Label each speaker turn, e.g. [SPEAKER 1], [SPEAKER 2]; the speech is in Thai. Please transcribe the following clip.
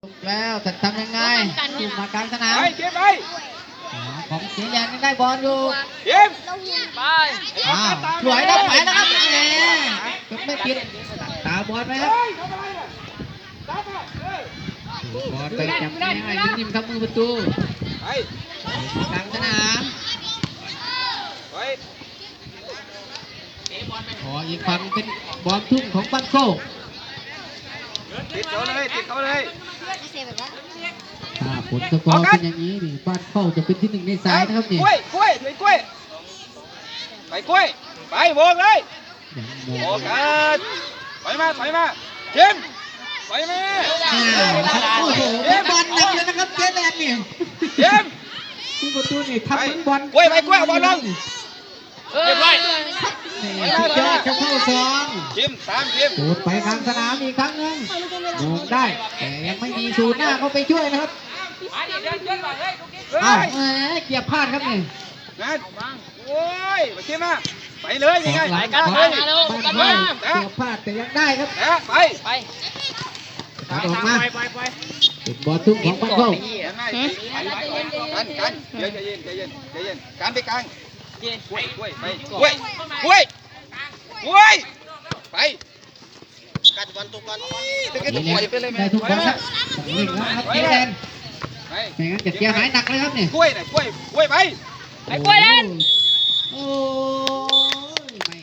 [SPEAKER 1] แล้วจะทำยังไงถูกมากลางสนาม
[SPEAKER 2] ไปเก็บไป
[SPEAKER 1] ของเสียยันยังได้บอลอยู่
[SPEAKER 2] เก็บ
[SPEAKER 3] ไป
[SPEAKER 1] สวยนะไปแล้วครับแหมไม่ผิดตาบอลไหมครับบอลไปจับง่ายนิ่มๆครับมือประตู
[SPEAKER 2] ไป
[SPEAKER 1] กลางสนาม
[SPEAKER 2] ไป
[SPEAKER 1] ขออีกฝั่งเป็นบอลทุ่งของบ้านโซ่
[SPEAKER 2] ติดเขาเลยติดเขาเลย
[SPEAKER 1] ถ้าผลสกอร์เป็นอย่างนี้นี่บ้านเข้าจะเป็นที่หนึ่งในสายนะครับนี่
[SPEAKER 2] กล้วยกล้วยไปกล้วยไปกล้วยไปโบกเลย
[SPEAKER 1] ยังโม
[SPEAKER 2] โบกกันไปมาเก็บไปมา
[SPEAKER 1] โอ้โหเป็นบอลหนักเลยนะครับเจแดนนี่
[SPEAKER 2] เก็บ
[SPEAKER 1] ผู้ประตูนี่ทำเหมือนบอล
[SPEAKER 2] กล้วยไปกล้วยเอาบอลลง
[SPEAKER 3] เรียบร้อย
[SPEAKER 1] นี่สุดยอดครับเข้าซอง
[SPEAKER 2] จิ้มตามจิ้ม
[SPEAKER 1] สูดไปกลางสนามอีกครั้งหนึงโดนได้แต่ยังไม่มีสูดหน้าเขาไปช่วยนะครับอ้าวแหมเกียบพลาดครับนี่
[SPEAKER 2] นะโอ้ยมาจิ้มมาไปเลยยังไง
[SPEAKER 1] หลายการบ้านไม่เกียบพลาดแต่ยังได้ครับ
[SPEAKER 2] นะไป
[SPEAKER 1] ตัดออกมาเป็นบอลทุ่งของบ้านเข้า
[SPEAKER 2] ยังไงกันเย็นการไปกลางกล้วยไปกล้วยไปกัดบอลตัวก่อนตะกี้ต้องปล่อยไปเลย
[SPEAKER 1] ได้ทุกบอลครับวิ่งแล้วครับเจแดน
[SPEAKER 2] ไป
[SPEAKER 1] ไม่งั้นจะเสียหายหนักเลยครับนี่
[SPEAKER 2] กล้วยไป
[SPEAKER 3] ไปกล้วยเล่น
[SPEAKER 1] โอ้